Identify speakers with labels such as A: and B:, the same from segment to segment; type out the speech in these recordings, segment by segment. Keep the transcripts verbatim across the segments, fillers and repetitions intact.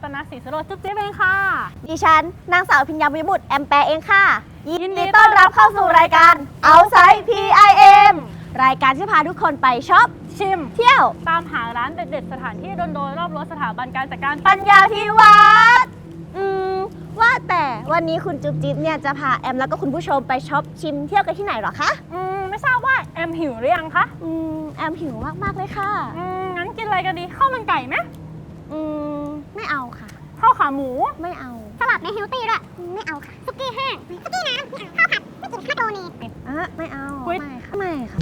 A: ตนาศรีสโรจน์จุ๊บจิ๊บเองค่ะ
B: ดิฉันนางสาวพิญญาวิบุตรแอมแปร์เองค่ะ
A: ยินดีต้อนรับเข้าสู่รายการ
B: Outside พี ไอ เอ็ม รายการที่พาทุกคนไปช็อป
A: ชิม
B: เที่ยว
A: ตามหาร้านเด็ดๆสถานที่โดนๆรอบรั้วสถาบันการจัดการ
B: ปัญญาภิวัฒน์อืมว่าแต่วันนี้คุณจุ๊บจิ๊บเนี่ยจะพาแอมแล้วก็คุณผู้ชมไปช็อปชิมเที่ยวกันที่ไหนหรอคะ
A: อืมไม่ทราบว่าแอมหิวหรือยังคะ
B: อืมแอมหิวมากๆเลยค่ะ
A: อืมงั้นกินอะไรกันดีข้าวมันไก่ไหม
B: อืมไม่เอาค่ะ
A: ข้าวขาหมู
B: ไม่เอา
C: สลัดในเฮลตี้ด้วยไม่เอาค่ะซุกี้แห้งซุกี้น้ำข้าวผัดไม่กินข้าวโตนี
B: อ่ะไม่เอา
A: ไม่
B: ค่ะไม่ค่ะ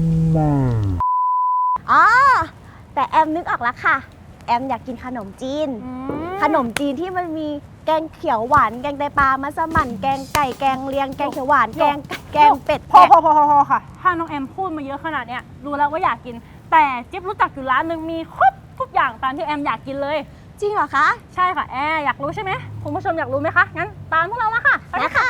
B: อ๋อแต่แอมนึกออกแล้วค่ะแอมอยากกินขนมจีนขนมจีนที่มันมีแกงเขียวหวานแกงไตปลามัสมั่นแกงไก่แกงเลียงแกงเขียวหวานแกงแกงเป็ด
A: พอพอพอพอค่ะถ้าน้องแอมพูดมาเยอะขนาดเนี้ยรู้แล้วว่าอยากกินแต่จิ๊บรู้จักอยู่ร้านหนึ่งมีครบทุกอย่างตามที่แอมอยากกินเลย
B: จริงเหรอคะ
A: ใช่ค่ะแอร์อยากรู้ใช่ไหมคุณผู้ชมอยากรู้ไหมคะงั้นตามพวกเรามาค่ะ
B: ไปค่ะ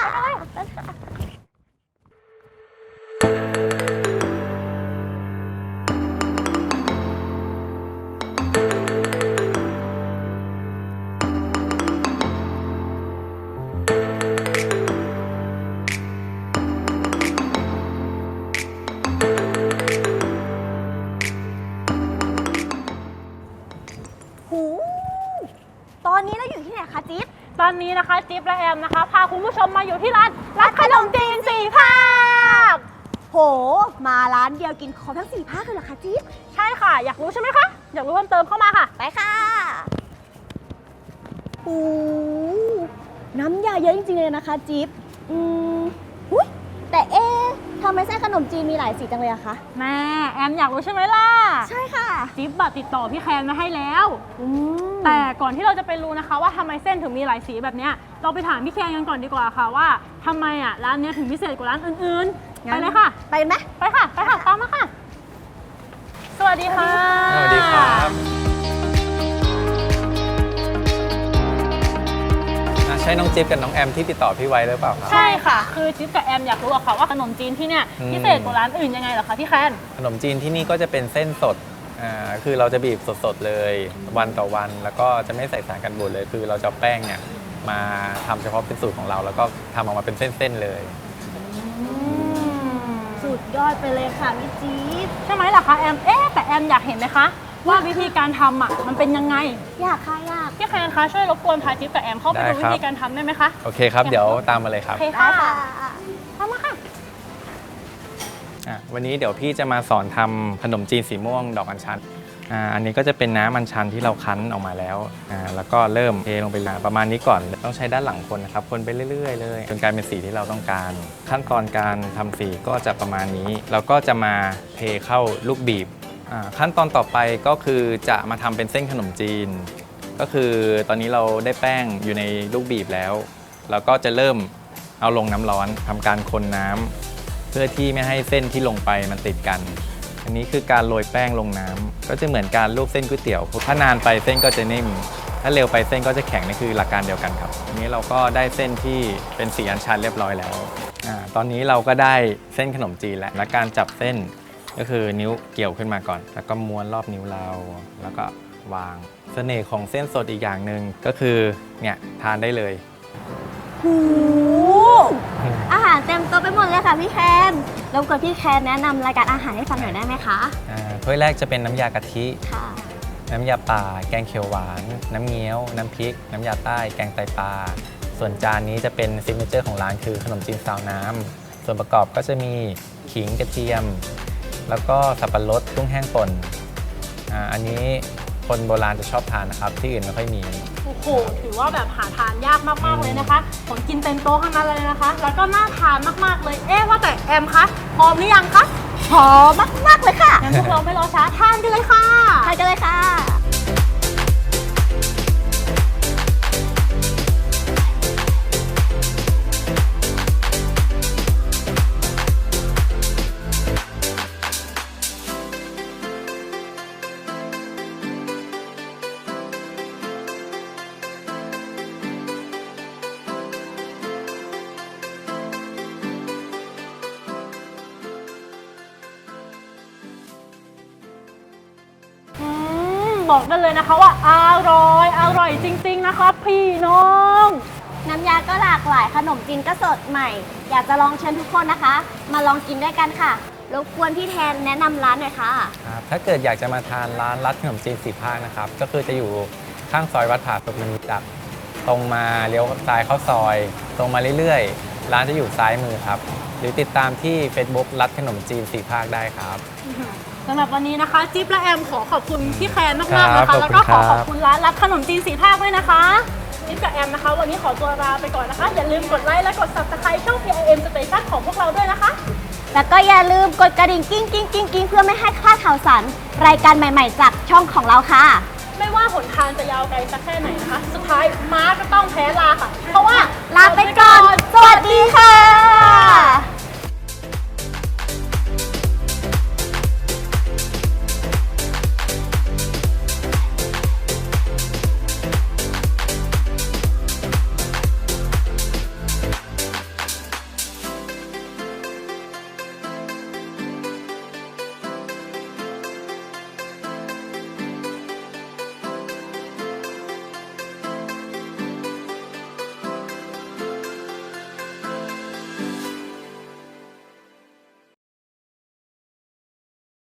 B: ตอนนี้เราอยู่ที่ไหนคะจิ๊บ
A: ตอนนี้นะคะจิ๊บและแอมนะคะพาคุณผู้ชมมาอยู่ที่ร้านร้านขนมจีนสี่ภาค
B: โหมาร้านเดียวกินครบทั้งสี่ภาคเลยเหรอคะจิ๊บ
A: ใช่ค่ะอยากรู้ใช่ไหมคะอยากรู้เพิ่มเติมเข้ามาค่ะ
B: ไปค่ะโอ้น้ำยาเยอะจริงๆเลยนะคะจิ๊บอืมอุ๊ยแต่เอ๊ะทำไมไส้ขนมจีนมีหลายสีจังเลยอะคะ
A: แม่แอมอยากรู้ใช่ไหมล่ะ
B: ใช่ค่ะ
A: จิ๊บติดต่อพี่แคนมาให้แล้วแต่ก่อนที่เราจะไปรู้นะคะว่าทำไมเส้นถึงมีหลายสีแบบนี้เราไปถามพี่แคนกันก่อนดีกว่าค่ะว่าทำไมอ่ะร้านนี้ถึงพิเศษกว่าร้านอื่นๆไปเลยค่ะ
B: ไปไหม
A: ไปค่ะไปค่ะตามมาค่ะสวัสดีค่ะ
D: สวัสดีครับใช่น้องจิ๊บกับน้องแอมที่ติดต่อพี่ไว้หรือเปล่าครับ
A: ใช่ค่ะคือจิ๊บกับแอมอยากรู้อะค่ะว่าขนมจีนที่เนี่ยพิเศษกว่าร้านอื่นยังไงเหรอคะพี่แคน
D: ขนมจีนที่นี่ก็จะเป็นเส้นสดอ่าคือเราจะบีบสดๆเลยวันต่อวันแล้วก็จะไม่ใส่สารกันบูดเลยคือเราจะแป้งเนี่ยมาทำเฉพาะเป็นสูตรของเราแล้วก็ทำออกมาเป็นเส้นๆเลย
B: สุดยอดไปเลยค่ะพี่จี๊ด
A: ใช่ไหมล่ะคะแอมเอ๊ะแต่แอมอยากเห็นไหมคะว่าวิธีการทำอ่ะมันเป็นยังไง
B: อยากค่ะอยาก
A: พี่แคนคะช่วยรบกวนพาจิ๊บกับแอมเข้าไปดูวิธีการทำได้ไหมคะ
D: โอเคครับเดี๋ยวตามมาเลยครับ
A: โอเคค่ะตามมาค่ะ
D: วันนี้เดี๋ยวพี่จะมาสอนทำขนมจีนสีม่วงดอกอัญชันอ่าอันนี้ก็จะเป็นน้ำอัญชันที่เราคั้นออกมาแล้วอ่าแล้วก็เริ่มเทลงไปประมาณนี้ก่อนต้องใช้ด้านหลังคนนะครับคนไปเรื่อยๆเลยจนกลายเป็นสีที่เราต้องการขั้นตอนการทำสีก็จะประมาณนี้เราก็จะมาเทเข้าลูกบีบขั้นตอนต่อไปก็คือจะมาทำเป็นเส้นขนมจีนก็คือตอนนี้เราได้แป้งอยู่ในลูกบีบแล้วเราก็จะเริ่มเอาลงน้ำร้อนทำการคนน้ำเพื่อที่ไม่ให้เส้นที่ลงไปมันติดกันอันนี้คือการโรยแป้งลงน้ำก็จะเหมือนการลวกเส้นก๋วยเตี๋ยวถ้านานไปเส้นก็จะนิ่มถ้าเร็วไปเส้นก็จะแข็งนี่คือหลักการเดียวกันครับอันนี้เราก็ได้เส้นที่เป็นสีอัญชันเรียบร้อยแล้วอ่าตอนนี้เราก็ได้เส้นขนมจีนแล้วและการจับเส้นก็คือนิ้วเกี่ยวขึ้นมาก่อนแล้วก็ม้วนรอบนิ้วเราแล้วก็วางเสน่ห์ของเส้นสดอีกอย่างหนึ่งก็คือเนี่ยทานได้เลย
B: หูอาหารเต็มโต๊ะไปหมดเลยค่ะพี่แคนรบกวนพี่แคนแนะนำรายการอาหารให้ฟังหน่อยได้ไหมคะ
D: ถ้วยแรกจะเป็นน้ำยากะทิ
B: ค่ะ
D: น้ำยาป่าแกงเขียวหวานน้ำเงี้ยวน้ำพริกน้ำยาใต้แกงไตปลาส่วนจานนี้จะเป็นซิกเนเจอร์ของร้านคือขนมจีนซาวน้ำส่วนประกอบก็จะมีขิงกระเทียมแล้วก็สับปะรดกุ้งแห้งป่น อ่า อันนี้คนโบราณจะชอบทานนะครับที่อื่นไม่ค่อยมี
A: โอ้โหถือว่าแบบหาทานยากมากๆเลยนะคะของกินเต็มโต๊ะทั้งนั้นเลยนะคะแล้วก็น่าทานมากๆเลยเอ๊ะว่าแต่แอมคะพร้อมหรือยังคะ
B: พร้อมมากๆเลยค่ะ
A: งั้นพวกเราไม่รอช้าทานกันเลยค่ะ
B: ทานกันเลยค่ะ
A: บอกได้เลยนะคะว่าอร่อยอร่อยจริงๆนะคะพี่น้อง
B: น้ำยาก็หลากหลายขนมจีนก็สดใหม่ อยากจะลองเชิญทุกคนนะคะ มาลองกินด้วยกันค่ะรบกวนพี่แทนแนะนำร้านหน่อยค่ะ
D: ครับถ้าเกิดอยากจะมาทานร้านรัดขนมจีนสีภาคนะครับก็คือจะอยู่ข้างซอยวัดผาสุกมันจักตรงมาเลี้ยวซ้ายเข้าซอย ตรงมาเรื่อยๆร้านจะอยู่ซ้ายมือครับหรือติดตามที่ Facebook รัดขนมจีนสีภาคได้ครับ
A: สำหรับวันนี้นะคะจิ๊บและแอมขอขอบคุณพี่แคนมากๆนะ
D: ครั
A: คะ
D: บ
A: แล้วก็ข
D: ข
A: อ
D: อบคุณครับ
A: ขอบคุณร้านรับขนมจีนสีภาคด้วยนะคะจิ๊บกับแอมนะคะ วันนี้ขอตัวลาไปก่อนนะคะ อย่าลืมกดไลค์และกด ซับสไครบ์ ช่อง พี ไอ เอ็ม Station ของพวกเราด้วยนะคะ
B: แล้วก็อย่าลืมกดกระดิ่งกิ้งกิ้งกิ้งกิ้งเพื่อไม่ให้พลาดข่าวสารรายการใหม่ๆจากช่องของเราค่ะ
A: ไม่ว่าหนทางจะยาวไกลสักแค่ไหนนะคะ สุดท้ายม้าก็ต้องแพ้ลาค่ะ เพราะว่า
B: ลาไปก่อน สวัสดีค่ะ